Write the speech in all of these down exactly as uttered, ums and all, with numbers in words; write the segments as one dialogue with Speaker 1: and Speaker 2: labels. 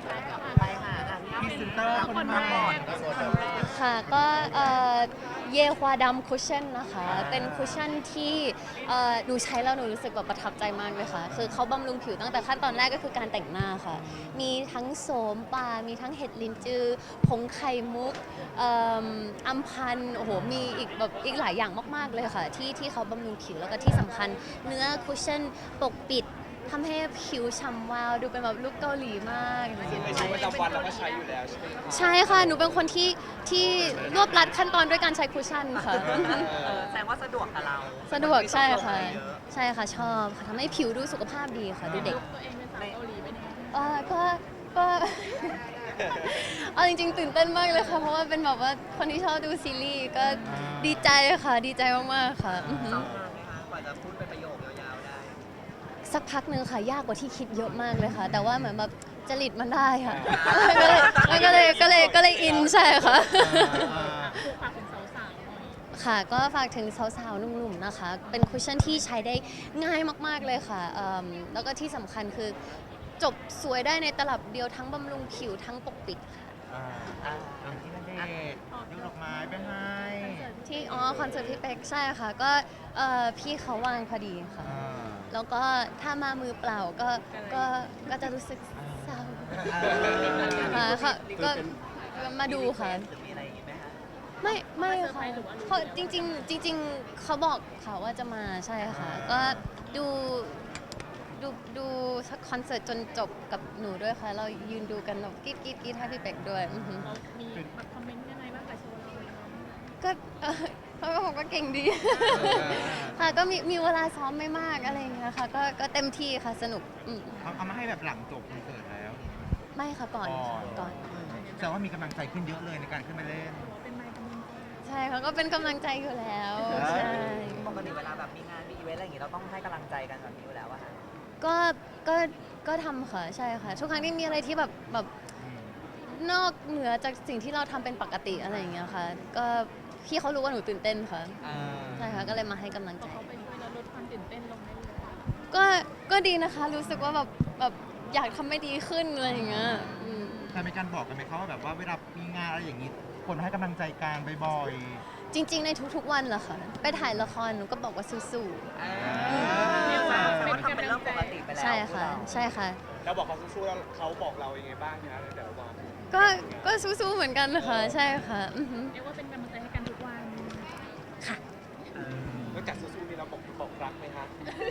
Speaker 1: ไปค่ะอ่ะ
Speaker 2: พรีเซนเตอร์คนมาก่อน
Speaker 3: ค่ะก็เอ่อเยควาดำคุชชั่นนะคะ เป็นคุชชั่นที่เอ่อหนูใช้แล้วหนูรู้สึกแบบประทับใจมากเลยค่ะ คือเขาบำรุงผิวตั้งแต่ขั้นตอนแรกก็คือการแต่งหน้าค่ะ มีทั้งโสมป่ามีทั้งเห็ดลินจือผงไข่มุกเอิ่มอัมพันธ์โอ้โหมีอีกแบบอีกหลายอย่างมากๆเลยค่ะที่ที่เขาบำรุงผิวแล้วก็ที่สำคัญเนื้อคุชชั่นปกปิดทำให้ผิวฉ่ำวาวดูเป็นแบบลูกเกาหลีมาก
Speaker 4: ซึ่งในชีวิตประจำวันเราก็ใช้อยู่แล้วใช่ไหมคะ
Speaker 3: ใช่ค่ะ หนูเป็นคนที่ที่รวบรัดขั้นตอนด้วยการใช้คุชชั่นค่ะ
Speaker 1: เออแสดงว่าสะดวกกับเรา
Speaker 3: สะดวกใช่ค่ะ
Speaker 1: ไม่ต้องลงไปเยอ
Speaker 3: ใช่ค่ะชอบค่ะทำให้ผิวดูสุขภาพดีค่ะดูเด็ก
Speaker 5: ตัวเองเป็นสาวเกาหลีเป็นยังไง
Speaker 3: เอ่อก็ก็ เอาจริงๆตื่นเต้นมากเลยค่ะ เพราะว่าเป็นแบบว่าคนที่ชอบดูซีรีส์ก็ดีใจค่ะ ดีใจมากๆค่ะอือหือ
Speaker 1: ซ้อมนานไหมคะกว่าจะพูดเป็นประโยคยาวๆได้
Speaker 3: สักพักหนึ่งค่ะ ยากกว่าที่คิดเยอะมากเลยค่ะ แต่ว่าเหมือนแบบจริตมันได้ค่ะก็เลยก็เลยก็เลยก็เลยอินใช่ค่ะ
Speaker 5: ฝากถึงสาวๆหน่อย
Speaker 3: ค่ะก็ฝากถึงสาวๆหนุ่มๆนะคะ เป็นคุชชั่นที่ใช้ได้ง่ายมากๆเลยค่ะเอิ่มแล้วก็ที่สำคัญคือจบสวยได้ในตลับเดียวทั้งบำรุงผิวทั้งปกปิดค่ะ
Speaker 2: อ่าอ่ะอย่างที่นั่นเดชยกดอกไม้ไปให้
Speaker 3: ที่อ๋อคอนเสิร์ตพี่เป็กใช่ค่ะ ก็เอ่อพี่เขาว่างพอดีค่ะ
Speaker 2: อ่า
Speaker 3: แล้วก็ถ้ามามือเปล่าก็ก็ก็จะรู้สึกเศร้าค่ะค่ะก็ก็มาดูค่ะ
Speaker 1: หรือมีอะไรอย่างงี้ไหมคะ
Speaker 3: ไม่ไม่ค่ะเขาจริงๆจริง ๆเขาบอกค่ะว่าจะมาใช่ค่ะ ก็ดูดูดูคอนเสิร์ตจนจบกับหนูด้วยค่ะ เรายืนดูกันแบบกรีดกรีดกรีดให้พี่เป็กด้วยอือหือ
Speaker 5: เรามีแบบคอมเมนต์ยังไงบ้างกับโชว์เราเลยเนาะ
Speaker 3: ก็เอ่อเขาก็บอกว่าเก่งดี ค่ะก็มีมีเวลาซ้อมไม่มากอะไรอย่างเงี้ยค่ะก็ก็เต็มที่ค่ะสนุกอืม
Speaker 2: เอาเอามาให้แบบหลังจบคอนเสิร์ตแล้ว
Speaker 3: ไม่ค่ะก่อนค่ะก่อน
Speaker 2: แต่ว่ามีกำลังใจขึ้นเยอะเลยในการขึ้นมาเล่น
Speaker 5: เป็นไมค์กำลังใจ
Speaker 3: ใช่เขาก็เป็นกำลังใจอยู่แล้วใช่
Speaker 1: ปกติเวลาแบบมีงานมีอีเวนต์อะไรอย่างงี้เราต้องให้กำลังใจกันแบบนี้อยู่แล้วอะค่ะ
Speaker 3: ก็ก็ก็ทำค่ะใช่ค่ะทุกครั้งที่มีอะไรที่แบบแบบนอกเหนือจากสิ่งที่เราทำเป็นปกติอะไรอย่างเงี้ยค่ะก็พี่เขารู้ว่าหนูตื่นเต้นค่ะใช่ค่ะก็เลยมาให้กำลัง
Speaker 5: พ
Speaker 3: ใจ
Speaker 5: อเขาไปช่วยเราลดความตื่นเต้นลงได้เลย
Speaker 3: ก็ก็ดีนะคะ รู้สึกว่าแบบแบบอยากทำให้ดีขึ้นอะไรอย่างเงี้ยอืม
Speaker 2: แต่มีการบอกกันไหมเขาว่าแบบว่าเวลามีงานอะไรอย่างนี้คนให้กำลังใจกันบ่อย
Speaker 3: จริง ๆ ในทุกๆวันเหรอคะไปถ่ายละครหนูก็บอกว่าสู้
Speaker 5: เรียกว่า
Speaker 1: แต่
Speaker 5: เป็
Speaker 1: ว่าน ทำเป็นเรื่องปกติไป
Speaker 3: ๆ
Speaker 1: แล้ว
Speaker 3: ใช่ค่ะ ใช่ค่ะ
Speaker 4: แล้วบอกเขาสู้ๆแล้วเขาบอกเรายังไงบ้างคะในแต่ละวัน
Speaker 3: ก็ก็สู้ๆเหมือนกันค่ะใช่ค่ะอือหือ
Speaker 5: เรียกว่าเป็นกำลังใจให้กันทุกวัน
Speaker 3: ค่ะ
Speaker 4: นอกจากสู้ๆมีเราบอกบอกรักไหมคะ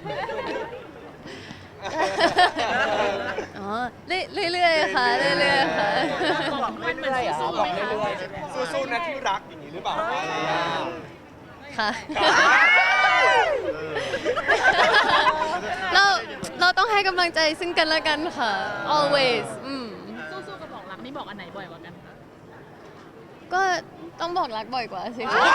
Speaker 3: อ๋อเรื่อยๆค่ะเรื่อยๆค่ะ
Speaker 1: บอกเรื่อยๆเหรอ
Speaker 4: สู้ๆ
Speaker 1: บบ อ
Speaker 4: อก ก
Speaker 1: เรื่
Speaker 4: เรื่
Speaker 1: อ
Speaker 4: อย ยๆสู้ๆนะที่รักอย่างนี้หรือเปล่า
Speaker 3: ค่ะ เราเราต้องให้กำลังใจซึ่งกันและกันค่ะ always อืม
Speaker 5: สู้ๆกับบอกรักนี่บอกอันไหนบ่อยกว่ากันคะ
Speaker 3: ก็ต้องบอกรักบ่อยกว่าสิคะ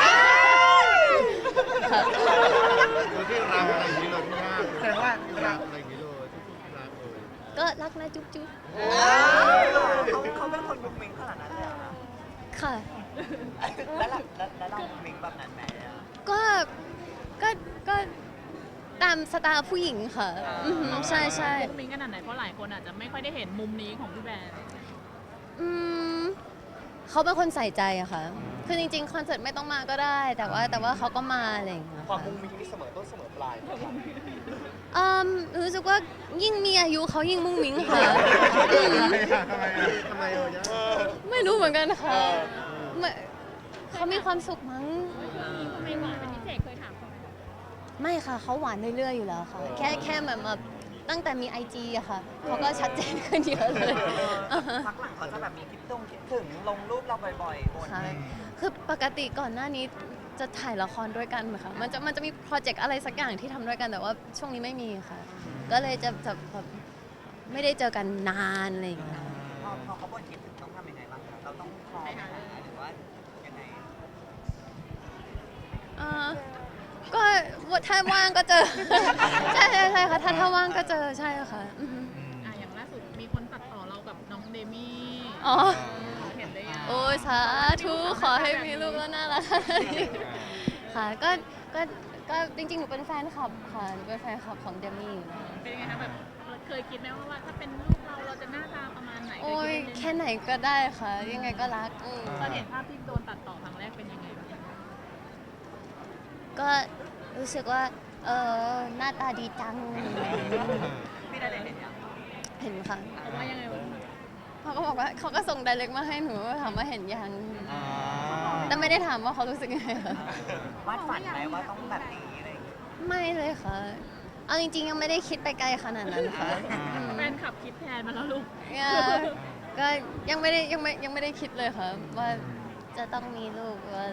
Speaker 3: ค่ะ
Speaker 6: เราที่รักอะไรอย่างนี้เลยพี่ย่า
Speaker 2: ๆแสดงว่า
Speaker 6: ที่รักอะไรอย่างนี้เลยทุกๆรักเลย
Speaker 3: ก็รักนะจุ๊บจุ๊บ
Speaker 1: เขาเขาเป็นคนมุกมิงขนาดนั้นเลยเหรอคะ
Speaker 3: ค่ะ
Speaker 1: แล้วเราแล้วแล้วเรามุกมิงแบบนั้นไหมอะ
Speaker 3: ก็ก็ก็ตามสไตล์ผู้หญิงค่ะอือหือใช่ใช่
Speaker 5: มุกมิ้งขนาดไหนเพราะหลายคนอาจจะไม่ค่อยได้เห็นมุมนี้ของพี่แบร์
Speaker 3: อืมเขาเป็นคนใส่ใจอะค่ะ คือจริงๆ คอนเสิร์ตไม่ต้องมาก็ได้ แต่ว่าแต่ว่าเขาก็มาอะไรอย่างเงี้ย
Speaker 4: ความ
Speaker 3: ค่ะ
Speaker 4: มุ้งมิ้งนี่เสมอต้นเสมอปลายไหมคะ
Speaker 3: อืมรู้สึกว่ายิ่งมีอายุเขายิ่งมุ้งมิ้งค่ะอืม
Speaker 2: ทำไมอ่ะ
Speaker 6: ทำไมอ่ะย่า
Speaker 3: ไม่รู้เหมือนกันค่ะไม่เขามีความสุขมั้ง
Speaker 5: ทำไมหวานเป็นพิเศษเคยถามเขาไหม
Speaker 3: ไม่ค่ะเขาหวานเรื่อยๆอยู่แล้วค่ะ แค่แค่แบบแบบตั้งแต่มีไอจีอะค่ะเขาก็ชัดเจนขึ้นเยอะเลยอ่าฮะ
Speaker 1: พักหลังเขาจะแบบมีคิดตรงคิดถึงลงรูปเราบ่อยๆบน
Speaker 3: ค่ะคือปกติก่อนหน้านี้จะถ่ายละครด้วยกันไหมคะมันจะมันจะมีโปรเจกต์อะไรสักอย่างที่ทำด้วยกันแต่ว่าช่วงนี้ไม่มีค่ะ ก็เลยจะจะแบบไม่ได้เจอกันนานอะไรอย่างเงี้ย
Speaker 1: พอพอเขาบ่นคิดถึงต้องทำยังไงบ้างคะเราต้องพร้อมไหมคะหรือว่ายังไง
Speaker 3: เอ่อก็ถ้าว่างก็เจอ ใช่ใช่ใช่ค่ะถ้าถ้าว่างก็เจอใช่ค่ะอือฮึ
Speaker 5: อ่ะอย่างล่าสุดมีคนตัดต่อเรากับน้องเดมี่
Speaker 3: อ๋อ
Speaker 5: เห็นได้ยัง
Speaker 3: โอ้ยสาธุขอให้มีลูกแล้วน่ารักค่ะก็ก็ก็จริงๆหนูเป็นแฟนคลับค่ะหนูเป็นแฟนคลับของเดมี่อยู่แล้ว
Speaker 5: เป็นยังไงคะแบบเคยคิดไหมว่าว่าถ้าเป็นลูกเราเราจะหน้าตาประมาณไหนเค
Speaker 3: โอ้
Speaker 5: ย
Speaker 3: ค่ไหนก็ได้ค่ะ ยังไงก็รักอืม
Speaker 5: ตอนเห็นภาพที่โดนตัดต่อครั้งแรกเป็นยังไงบ้าง
Speaker 3: ก็รู้สึกว่า เออหน้าตาดีจัง
Speaker 1: พี่ได้เลยเห็นยัง
Speaker 3: เห็นค่ะ
Speaker 5: เขาว่ายังไงบ้าง
Speaker 3: เขาก็บอกว่าเขาก็ส่งไดเรกมาให้หนูถามว่าเห็นยัง
Speaker 2: อ่า
Speaker 3: แต่ไม่ได้ถามว่าเขารู้สึกยังไงค่ะ
Speaker 1: วาดฝันไหมว่าต้องแบบนี้อะไรอย่างเงี้ย
Speaker 3: ไม่เลยค่ะ เอาจริงๆ ยังไม่ได้คิดไปไกลขนาดนั้นค่ะอืม
Speaker 5: แฟนขับคิดแทนมาแล้วลูก
Speaker 3: เนี่ยก็ยังไม่ได้ยังไม่ยังไม่ได้คิดเลยค่ะ ว่าจะต้องมีลูกหรืออะไร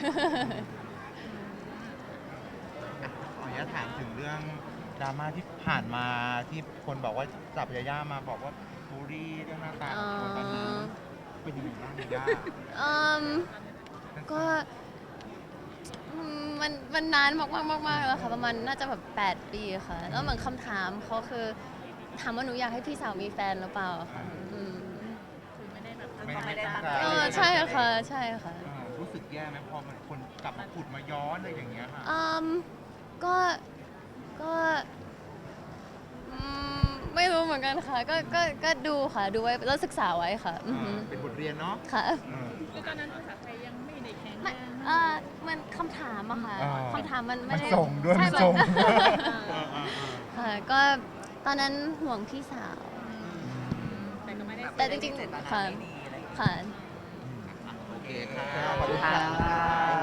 Speaker 2: ขออนุญาตถามถึงเรื่องดราม่าที่ผ่านมาที่คนบอกว่าจับยาย่ามาบอกว่าบูลลี่เรื่องหน้าตาของคนตอนนี้เป็นยังไงบ้างยาย่า
Speaker 3: อืมก็อืมมันมันนานมากมากมากมากแล้วค่ะ ประมาณน่าจะแบบแปดปีค่ะ แล้วเหมือนคำถามเขาคือถามว่าหนูอยากให้พี่สาวมีแฟนหรือเปล่าค่ะอืม
Speaker 5: คือไม่ได้แบบ
Speaker 2: ไม่ไม่ได้ตั้งใจ
Speaker 3: เออใช่ค่ะใช่ค่ะ
Speaker 2: เออรู้สึกแย่ไหมพอมันคนกลับมาขุดมาย้อนอะไรอย่างเงี้ยค่ะ
Speaker 3: อืมก็ก็อืมไม่รู้เหมือนกันค่ะ ก็ก็ก็ดูค่ะ ดูไว้แล้วศึกษาไว้ค่ะอือหือ
Speaker 2: เป็นบทเรียนเนาะ
Speaker 3: ค่ะ
Speaker 2: เออ
Speaker 5: คือตอนนั้นภาษาไทยยังไม่ได้แข็งแร
Speaker 3: ไม่
Speaker 5: ง
Speaker 3: เออมันคำถามอะค่ะ
Speaker 2: อ่า
Speaker 3: คำถามมันไม่ได้
Speaker 2: มันส่งด้วย
Speaker 3: ใช่
Speaker 2: มันส่ง
Speaker 3: มัน
Speaker 2: เออเออเออ
Speaker 3: ค่ะ ก็ตอนนั้นห่วงพี่สาว
Speaker 5: แต่ก็ไม่ได้
Speaker 3: แต่จริงๆ
Speaker 1: เจตนา
Speaker 3: ค่ะ
Speaker 1: ไม่ดีอะไรอย่างเงี้ย
Speaker 3: ค่ะ
Speaker 1: โอเค
Speaker 2: ค่ะ
Speaker 1: ค่ะ
Speaker 2: ขอบคุณค่ะ